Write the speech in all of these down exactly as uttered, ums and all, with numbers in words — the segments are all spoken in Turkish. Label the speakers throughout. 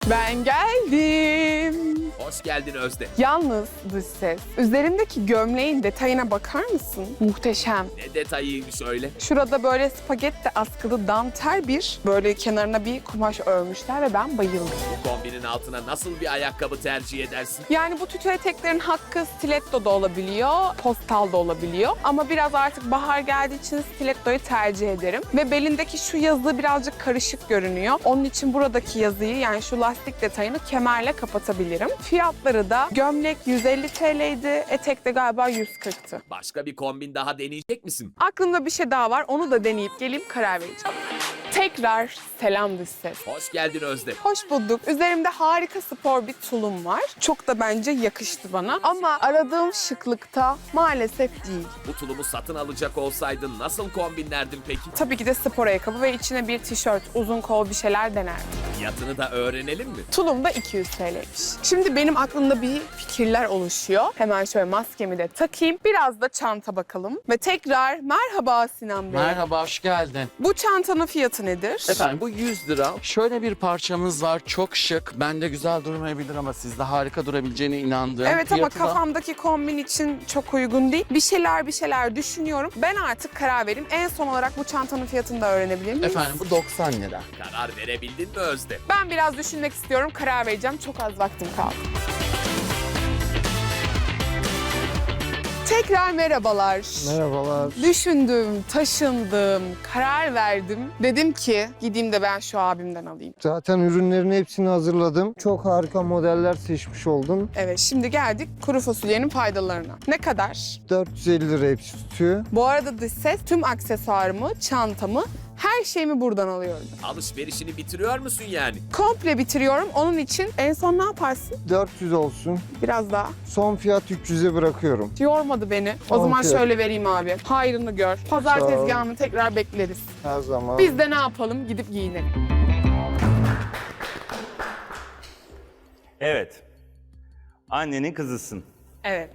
Speaker 1: Ben geldim.
Speaker 2: Hoş geldin Özde.
Speaker 1: Yalnız dış ses, üzerimdeki gömleğin detayına bakar mısın? Muhteşem.
Speaker 2: Ne detayıymış öyle.
Speaker 1: Şurada böyle spagetti askılı dantel bir böyle kenarına bir kumaş örmüşler ve ben bayıldım.
Speaker 2: Bu kombinin altına nasıl bir ayakkabı tercih edersin?
Speaker 1: Yani bu tütü eteklerin hakkı stiletto da olabiliyor, postal da olabiliyor. Ama biraz artık bahar geldiği için stilettoyu tercih ederim. Ve belindeki şu yazı birazcık karışık görünüyor. Onun için buradaki yazıyı, yani şu lastik detayını kemerle kapatabilirim. Fiyatları da gömlek yüz elli TL'ydi, etek de galiba yüz kırktı.
Speaker 2: Başka bir kombin daha deneyecek misin?
Speaker 1: Aklımda bir şey daha var, onu da deneyip geleyim, karar vereceğim. Tekrar selam dış ses.
Speaker 2: Hoş geldin Özde.
Speaker 1: Hoş bulduk. Üzerimde harika spor bir tulum var. Çok da bence yakıştı bana. Ama aradığım şıklıkta maalesef değil.
Speaker 2: Bu tulumu satın alacak olsaydın nasıl kombinlerdin peki?
Speaker 1: Tabii ki de spor ayakkabı ve içine bir tişört, uzun kol bir şeyler denerdim.
Speaker 2: Fiyatını da öğrenelim mi?
Speaker 1: Tulum da iki yüz TL'ymiş. Şimdi benim aklımda bir fikirler oluşuyor. Hemen şöyle maskemi de takayım. Biraz da çanta bakalım. Ve tekrar merhaba Sinan Bey.
Speaker 3: Merhaba, hoş geldin.
Speaker 1: Bu çantanın fiyatı nedir?
Speaker 3: Efendim bu yüz lira. Şöyle bir parçamız var, çok şık. Bende güzel durmayabilir ama sizde harika durabileceğine inandığım.
Speaker 1: Evet ama
Speaker 3: Fiyatı da-
Speaker 1: kafamdaki kombin için çok uygun değil. Bir şeyler bir şeyler düşünüyorum. Ben artık karar vereyim. En son olarak bu çantanın fiyatını da öğrenebilir miyim?
Speaker 3: Efendim bu doksan lira.
Speaker 2: Karar verebildin mi Özde?
Speaker 1: Ben biraz düşünmek istiyorum. Karar vereceğim. Çok az vaktim kaldı. Tekrar merhabalar.
Speaker 4: Merhabalar.
Speaker 1: Düşündüm, taşındım, karar verdim. Dedim ki gideyim de ben şu abimden alayım.
Speaker 4: Zaten ürünlerin hepsini hazırladım. Çok harika modeller seçmiş oldum.
Speaker 1: Evet, şimdi geldik kuru fasulyenin faydalarına. Ne kadar?
Speaker 4: dört yüz elli lira hepsi tutuyor.
Speaker 1: Bu arada dış ses tüm aksesuarımı, çantamı, her şeyimi buradan alıyorum.
Speaker 2: Alışverişini bitiriyor musun yani?
Speaker 1: Komple bitiriyorum. Onun için en son ne yaparsın?
Speaker 4: dört yüz olsun.
Speaker 1: Biraz daha.
Speaker 4: Son fiyat üç yüze bırakıyorum.
Speaker 1: Yormadı beni. O
Speaker 4: Tamam,
Speaker 1: zaman
Speaker 4: fiyat.
Speaker 1: şöyle vereyim abi. Hayrını gör. Pazar
Speaker 4: Sağ ol.
Speaker 1: tezgahını tekrar bekleriz.
Speaker 4: Her zaman.
Speaker 1: Biz de ne yapalım? Gidip giyinelim.
Speaker 5: Evet. Annenin kızısın.
Speaker 1: Evet.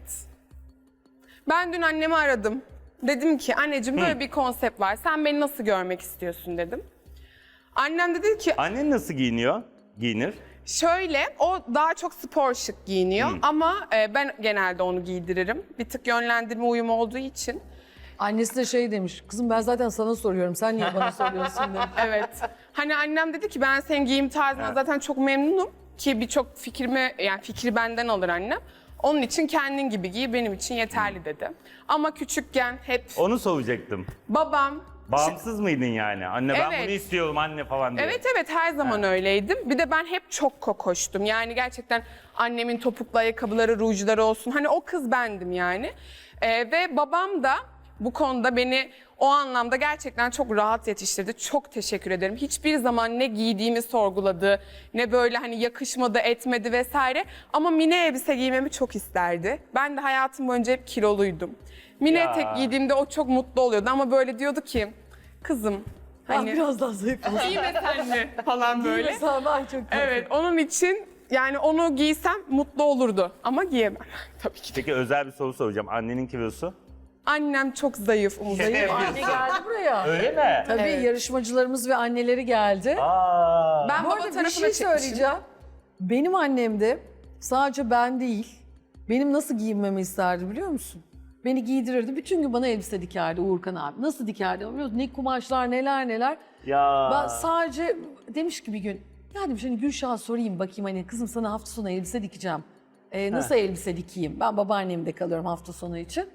Speaker 1: Ben dün annemi aradım. Dedim ki anneciğim böyle bir konsept var. Sen beni nasıl görmek istiyorsun dedim. Annem de dedi ki
Speaker 5: Annen nasıl giyiniyor? Giyinir.
Speaker 1: şöyle, o daha çok spor şık giyiniyor ama e, ben genelde onu giydiririm. Bir tık yönlendirme uyumu olduğu için.
Speaker 6: Annesi de şey demiş, kızım ben zaten sana soruyorum, sen niye bana soruyorsun demiş.
Speaker 1: Evet. Hani annem dedi ki ben senin giyim tarzından zaten çok memnunum ki birçok fikrimi, yani fikri benden alır annem. Onun için kendin gibi giy, benim için yeterli dedi. Ama küçükken hep
Speaker 5: Onu soracaktım.
Speaker 1: babam...
Speaker 5: Bağımsız mıydın yani? Anne ben
Speaker 1: Evet.
Speaker 5: bunu istiyorum anne falan diye.
Speaker 1: Evet evet, her zaman öyleydim. Bir de ben hep çok kokoştum. Yani gerçekten annemin topuklu ayakkabıları, rujları olsun. Hani o kız bendim yani. Ee, ve babam da bu konuda beni o anlamda gerçekten çok rahat yetiştirdi. Çok teşekkür ederim. Hiçbir zaman ne giydiğimi sorguladı, ne böyle hani yakışmadı, etmedi vesaire. Ama mini elbise giymemi çok isterdi. Ben de hayatım boyunca hep kiloluydum. Mini
Speaker 5: Ya.
Speaker 1: etek giydiğimde o çok mutlu oluyordu ama böyle diyordu ki, kızım
Speaker 6: Ben
Speaker 1: hani
Speaker 6: biraz daha zayıf olsun.
Speaker 1: giyme sen de falan böyle.
Speaker 6: Mesela ben çok
Speaker 1: Evet, onun için yani onu giysem mutlu olurdu ama giyemem tabii ki de.
Speaker 5: Peki özel bir soru soracağım. Annenin kilosu?
Speaker 1: Annem çok zayıf, Umut.
Speaker 6: Zayıf anne geldi buraya.
Speaker 5: Öyle mi?
Speaker 6: Tabii
Speaker 1: Evet.
Speaker 6: yarışmacılarımız ve anneleri geldi.
Speaker 5: Aa.
Speaker 1: Ben
Speaker 6: Bu
Speaker 1: baba
Speaker 6: arada bir
Speaker 1: tarafına
Speaker 6: şey
Speaker 1: çekmişim.
Speaker 6: söyleyeceğim. Benim annem de sadece ben değil, benim nasıl giyinmemi isterdi biliyor musun? Beni giydirirdi, bütün gün bana elbise dikerdi Uğurkan abi. Nasıl dikerdi biliyor musun? Ne kumaşlar, neler neler.
Speaker 5: Ya.
Speaker 6: Ben sadece demiş ki bir gün, ya demiş hani Gülşah'a sorayım bakayım hani kızım sana hafta sonu elbise dikeceğim. Ee, nasıl elbise dikeyim? Ben babaannemde kalıyorum hafta sonu için.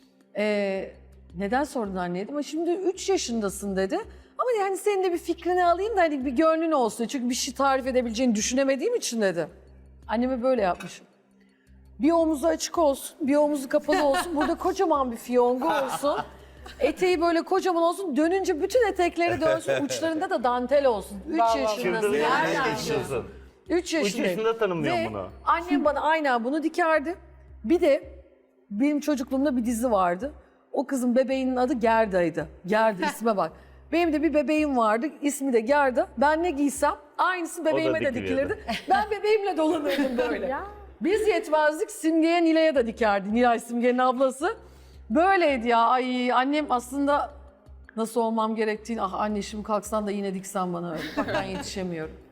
Speaker 6: Ee, neden sordun anne dedim. Ama şimdi üç yaşındasın dedi. Ama yani senin de bir fikrini alayım da hani bir gönlün olsun. Çünkü bir şey tarif edebileceğini düşünemediğim için dedi. Anneme böyle yapmışım. Bir omuzu açık olsun, bir omuzu kapalı olsun. Burada kocaman bir fiyongu olsun. Eteği böyle kocaman olsun. Dönünce bütün etekleri dönsün. Uçlarında da dantel olsun. Üç
Speaker 1: Vallahi
Speaker 6: yaşındasın.
Speaker 5: Çıldırdı ya.
Speaker 6: Nereden
Speaker 5: Ne
Speaker 6: biliyorsun?
Speaker 5: diyorsun?
Speaker 6: Üç
Speaker 5: Üç
Speaker 6: yaşındayım.
Speaker 5: yaşında tanımlıyorum
Speaker 6: Ve
Speaker 5: bunu.
Speaker 6: annem bana aynen bunu dikerdi. Bir de benim çocukluğumda bir dizi vardı. O kızın bebeğinin adı Gerda'ydı. Gerda isme bak. Benim de bir bebeğim vardı. İsmi de Gerda. Ben ne giysem aynısı bebeğime de
Speaker 5: dikiliyordu.
Speaker 6: dikilirdi. Ben bebeğimle dolanırdım böyle. Biz yetmezdik. Simge'ye Nilay'a da dikerdi. Nilay Simge'nin ablası. Böyleydi ya. Ay annem aslında nasıl olmam gerektiğini, ah anne şimdi kalksan da yine diksen bana öyle. Bak ben yetişemiyorum.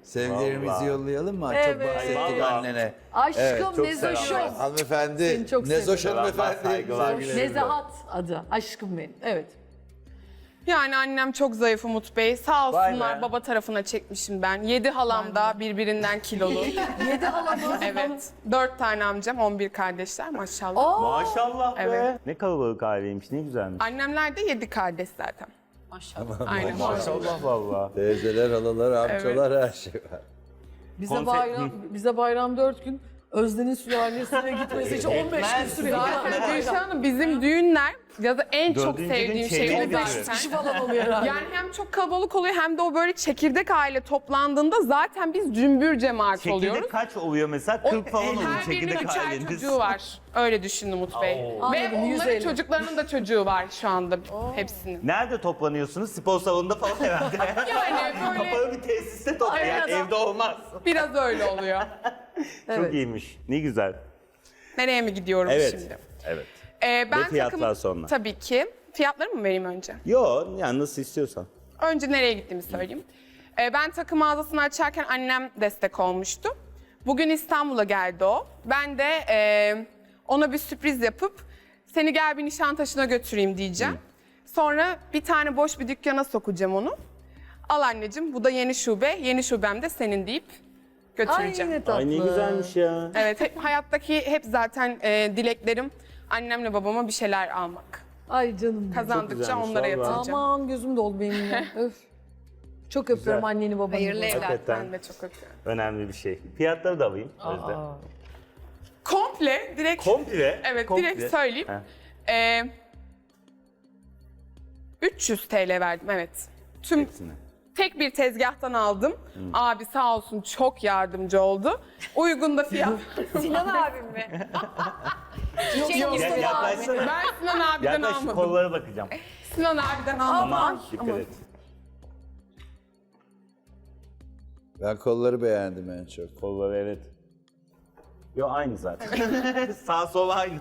Speaker 7: Sevgilerimizi
Speaker 5: Vallahi.
Speaker 7: yollayalım mı?
Speaker 6: Evet.
Speaker 7: Çok bahsettik
Speaker 5: Vallahi.
Speaker 7: annene.
Speaker 6: Aşkım
Speaker 7: Evet, çok
Speaker 6: Nezoş'um.
Speaker 7: selamlar. Hanımefendi.
Speaker 6: Seni çok
Speaker 7: Nezoş
Speaker 6: seviyorum.
Speaker 7: hanımefendi.
Speaker 5: Saygılar.
Speaker 7: Sevgilerimle.
Speaker 6: Nezahat adı. Aşkım benim. Evet.
Speaker 1: Yani annem çok zayıf Umut Bey. Sağ
Speaker 5: Vay
Speaker 1: olsunlar
Speaker 5: be.
Speaker 1: baba tarafına çekmişim ben. Yedi halam da birbirinden kilolu.
Speaker 6: Yedi halamı.
Speaker 1: Evet. Dört tane amcam, on bir kardeşler maşallah.
Speaker 6: Aa,
Speaker 5: Maşallah be.
Speaker 1: Evet.
Speaker 5: Ne kalabalık aileymiş, ne güzelmiş.
Speaker 1: Annemler de yedi kardeş zaten.
Speaker 6: maşallah.
Speaker 1: Aynen.
Speaker 5: Maşallah vallahi.
Speaker 7: Teyzeler, halalar, amcalar her şey var.
Speaker 6: Bize
Speaker 5: Konse-
Speaker 6: bayram, bize bayram dört gün. Özden'in sülalesine gitmesi için on beş gün sürüyor.
Speaker 1: Zaten Gülşah Hanım bizim düğünler ya da en çok
Speaker 5: Dördüncü gün
Speaker 1: sevdiğim şey
Speaker 5: çeyreğe
Speaker 1: o
Speaker 5: bitiyor.
Speaker 1: zaten.
Speaker 6: Kişi falan oluyor herhalde.
Speaker 1: Yani hem çok kalabalık oluyor hem de o böyle çekirdek aile toplandığında zaten biz cümbür cemaat oluyoruz.
Speaker 5: Çekirdek kaç oluyor mesela?
Speaker 1: O-
Speaker 5: kırk falan oluyor
Speaker 1: Her birinin
Speaker 5: çekirdek
Speaker 1: üçer
Speaker 5: aileniz.
Speaker 1: çocuğu var. Öyle düşünün Umut Bey. Ve
Speaker 6: Anladım, yüz
Speaker 1: onların
Speaker 6: elli.
Speaker 1: çocuklarının da çocuğu var şu anda hepsinin.
Speaker 5: Nerede toplanıyorsunuz? Spor salonunda falan herhalde.
Speaker 1: Yani böyle
Speaker 5: Kapalı bir tesiste toplanıyor. Yani
Speaker 6: Aynen.
Speaker 5: evde olmaz.
Speaker 1: biraz öyle oluyor.
Speaker 5: Çok iyiymiş. Ne güzel.
Speaker 1: Nereye mi gidiyorum
Speaker 5: Evet.
Speaker 1: şimdi?
Speaker 5: Evet.
Speaker 1: Ee, ben
Speaker 5: Ve fiyatlar
Speaker 1: takım-
Speaker 5: sonra.
Speaker 1: Tabii ki. Fiyatları mı vereyim önce?
Speaker 5: Yo yani nasıl istiyorsan.
Speaker 1: Önce nereye gittiğimi söyleyeyim. Ee, ben takım mağazasını açarken annem destek olmuştu. Bugün İstanbul'a geldi o. Ben de e, ona bir sürpriz yapıp seni gel bir Nişantaşı'na götüreyim diyeceğim. Sonra bir tane boş bir dükkana sokacağım onu. Al anneciğim bu da yeni şube, yeni şubem de senin deyip
Speaker 6: Ay
Speaker 1: götüreceğim.
Speaker 6: ne tatlı.
Speaker 5: Ay ne güzelmiş ya.
Speaker 1: Evet, hep, hayattaki hep zaten e, dileklerim annemle babama bir şeyler almak.
Speaker 6: Ay canım. benim.
Speaker 1: Kazandıkça
Speaker 5: güzelmiş,
Speaker 1: onlara
Speaker 5: vallahi.
Speaker 1: yatıracağım.
Speaker 6: Aman gözüm doldu benim ya. Öf. Çok öpüyorum anneni babanı.
Speaker 1: Hayırlı evlat,
Speaker 5: Hakikaten.
Speaker 1: ben de çok öpüyorum.
Speaker 5: Önemli bir şey. Fiyatları da alayım Özde.
Speaker 6: Aa.
Speaker 1: Komple, direkt,
Speaker 5: Komple.
Speaker 1: evet
Speaker 5: komple.
Speaker 1: direkt söyleyeyim.
Speaker 5: Heh,
Speaker 1: Ee, üç yüz T L verdim, evet. Tüm
Speaker 5: hepsini.
Speaker 1: tek bir tezgahtan aldım. Abi sağ olsun çok yardımcı oldu. Uygun da fiyat.
Speaker 8: Sinan abim mi? Çiçek
Speaker 1: Yok,
Speaker 8: gibi
Speaker 5: Gel
Speaker 8: abi.
Speaker 5: yaklaşsana.
Speaker 1: Ben Sinan abiden
Speaker 5: Yaklaş şu
Speaker 1: almadım.
Speaker 5: kollara bakacağım.
Speaker 1: Sinan abiden almadım.
Speaker 5: Aman
Speaker 1: Ay,
Speaker 5: dikkat
Speaker 1: aman.
Speaker 5: et.
Speaker 7: Ben kolları beğendim en çok.
Speaker 5: Kolları evet. Yo aynı zaten. Sağ sol aynı.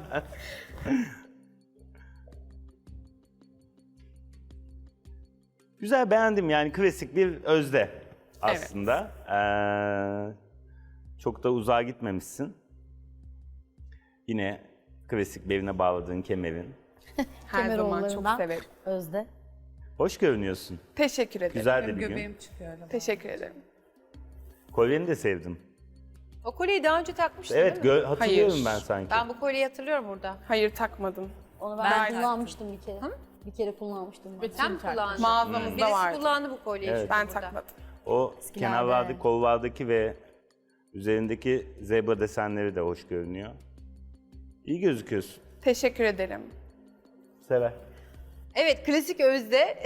Speaker 5: Güzel beğendim yani klasik bir Özde aslında. Ee, çok da uzağa gitmemişsin. Yine klasik beline bağladığın kemerin.
Speaker 1: Her zaman çok
Speaker 8: Kemeroğullarından
Speaker 1: severim.
Speaker 8: Özde.
Speaker 5: Hoş görünüyorsun.
Speaker 1: Teşekkür ederim.
Speaker 5: Güzel de bir gün.
Speaker 1: Teşekkür ederim.
Speaker 5: Kolyeni de sevdim.
Speaker 8: O kolyeyi daha önce takmıştın
Speaker 5: Evet
Speaker 8: değil mi?
Speaker 5: gö- hatırlıyorum
Speaker 1: Hayır.
Speaker 5: ben sanki.
Speaker 8: Ben bu kolyeyi hatırlıyorum burada.
Speaker 1: Hayır takmadım.
Speaker 9: Onu
Speaker 8: Ben
Speaker 9: ben,
Speaker 1: taktım.
Speaker 9: kullanmıştım bir kere. Bir kere kullanmıştım. ben.
Speaker 8: Sen mi kullandın?
Speaker 1: Mağazamızda
Speaker 8: Birisi
Speaker 1: vardı.
Speaker 8: kullandı bu kolyeyi
Speaker 5: Evet.
Speaker 8: işte
Speaker 1: Ben
Speaker 8: burada.
Speaker 1: takmadım.
Speaker 5: O
Speaker 9: Eskilerde.
Speaker 5: kenarlardaki, kollardaki ve üzerindeki zebra desenleri de hoş görünüyor. İyi gözüküyorsun.
Speaker 1: Teşekkür ederim.
Speaker 5: Sever.
Speaker 8: Evet, klasik Özde.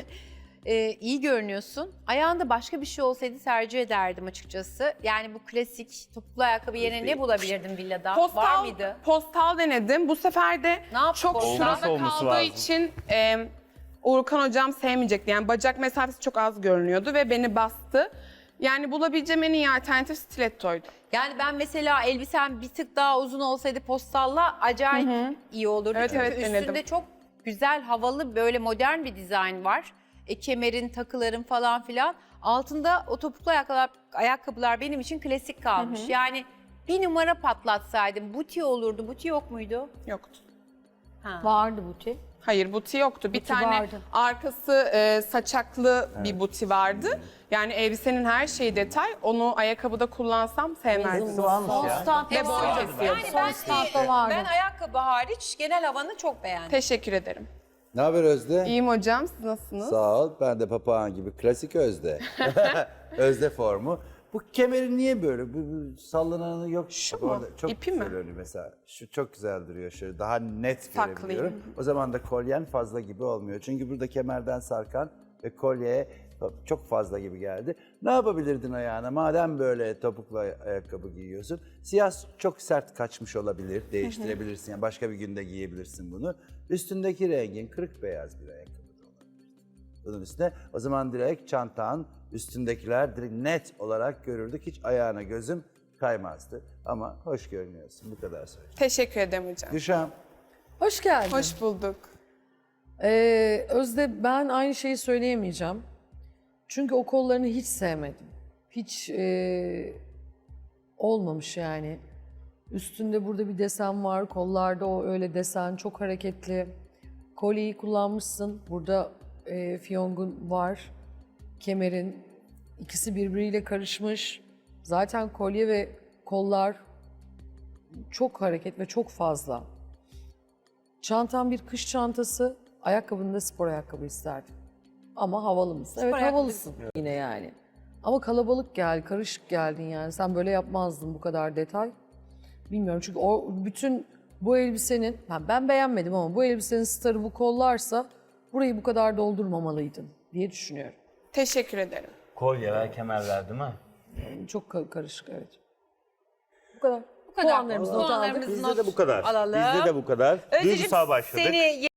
Speaker 8: Ee, iyi görünüyorsun. Ayağında başka bir şey olsaydı tercih ederdim açıkçası. Yani bu klasik topuklu ayakkabı yerine ne bulabilirdim villada? Var
Speaker 1: Postal,
Speaker 8: mıydı?
Speaker 1: postal denedim. Bu sefer de
Speaker 8: Ne yaptı
Speaker 1: çok
Speaker 8: postal?
Speaker 1: şurada
Speaker 5: olması
Speaker 1: kaldığı
Speaker 5: lazım.
Speaker 1: için e, Uğurkan hocam sevmeyecekti. Yani bacak mesafesi çok az görünüyordu ve beni bastı. Yani bulabileceğim en iyi alternatif stilettoydu.
Speaker 8: Yani ben mesela elbisem bir tık daha uzun olsaydı postalla acayip iyi olurdu.
Speaker 1: Evet,
Speaker 8: Çünkü
Speaker 1: evet,
Speaker 8: üstünde
Speaker 1: denedim.
Speaker 8: çok güzel, havalı, böyle modern bir dizayn var. E, kemerin, takıların falan filan. Altında o topuklu ayakkabılar, ayakkabılar benim için klasik kalmış. Yani bir numara patlatsaydım buti olurdu. Buti yok muydu?
Speaker 1: Yoktu.
Speaker 9: Vardı buti.
Speaker 1: Hayır buti yoktu. Bir
Speaker 9: Buti
Speaker 1: tane
Speaker 9: vardı.
Speaker 1: arkası e, saçaklı bir buti vardı. Yani elbisenin her şeyi detay. Onu ayakkabıda kullansam sevmezdim.
Speaker 9: Son standta
Speaker 1: Ve boy
Speaker 9: vardı.
Speaker 1: kesiyordu.
Speaker 8: Yani
Speaker 9: Son
Speaker 8: ben,
Speaker 9: standta vardı.
Speaker 8: ben ayakkabı hariç genel havanı çok beğendim.
Speaker 1: Teşekkür ederim.
Speaker 7: Ne haber Özde?
Speaker 1: İyiyim hocam. Siz nasılsınız?
Speaker 7: Sağ ol. Ben de papağan gibi klasik Özde. Özde formu. Bu kemerin niye böyle? Bu, bu sallananı yok.
Speaker 1: Şu
Speaker 7: Bak
Speaker 1: mu?
Speaker 7: orada Çok
Speaker 1: İpi
Speaker 7: güzel
Speaker 1: mi?
Speaker 7: önü mesela. Şu çok güzel duruyor şöyle. Daha net
Speaker 1: Saklayayım.
Speaker 7: görebiliyorum. O zaman da kolyen fazla gibi olmuyor. Çünkü burada kemerden sarkan ve kolyeye çok fazla gibi geldi. Ne yapabilirdin ayağına? Madem böyle topuklu ay- ayakkabı giyiyorsun. Siyah çok sert kaçmış olabilir. Değiştirebilirsin. Yani başka bir günde giyebilirsin bunu. Üstündeki rengin kırık beyaz bir ayakkabı da olabilir. Bunun üstüne o zaman direkt çantan, üstündekiler direkt net olarak görürdük. Hiç ayağına gözüm kaymazdı. Ama hoş görünüyorsun. Bu kadar söyleyeyim.
Speaker 1: Teşekkür ederim hocam.
Speaker 7: Gülşah'ım.
Speaker 6: Hoş geldin.
Speaker 1: Hoş bulduk.
Speaker 6: Ee, Özde ben aynı şeyi söyleyemeyeceğim. Çünkü o kollarını hiç sevmedim. hiç e, olmamış yani. Üstünde burada bir desen var, kollarda o öyle desen çok hareketli. Kolyeyi kullanmışsın, burada e, fiyongun var, kemerin ikisi birbiriyle karışmış. Zaten kolye ve kollar çok hareket ve çok fazla. Çantan bir kış çantası, ayakkabını da spor ayakkabı isterdim. Ama havalı mısın? Evet
Speaker 8: ayakkabı-
Speaker 6: havalısın yine yani. Ama kalabalık gel, karışık geldin yani. Sen böyle yapmazdın bu kadar detay. Bilmiyorum çünkü o bütün bu elbisenin, ben, ben beğenmedim ama bu elbisenin starı bu kollarsa burayı bu kadar doldurmamalıydın diye düşünüyorum.
Speaker 1: Teşekkür ederim.
Speaker 5: Kolyeler, kemerler değil mi?
Speaker 6: Çok ka- karışık evet. Bu kadar.
Speaker 8: Bu kadar.
Speaker 6: Puanlarımızı not aldık.
Speaker 8: Puanlarımızı
Speaker 5: Bizde
Speaker 8: not
Speaker 5: de bu kadar.
Speaker 8: alalım.
Speaker 5: Bizde de bu kadar.
Speaker 8: Özde'cim,
Speaker 5: Duygusal başladık.
Speaker 8: Seni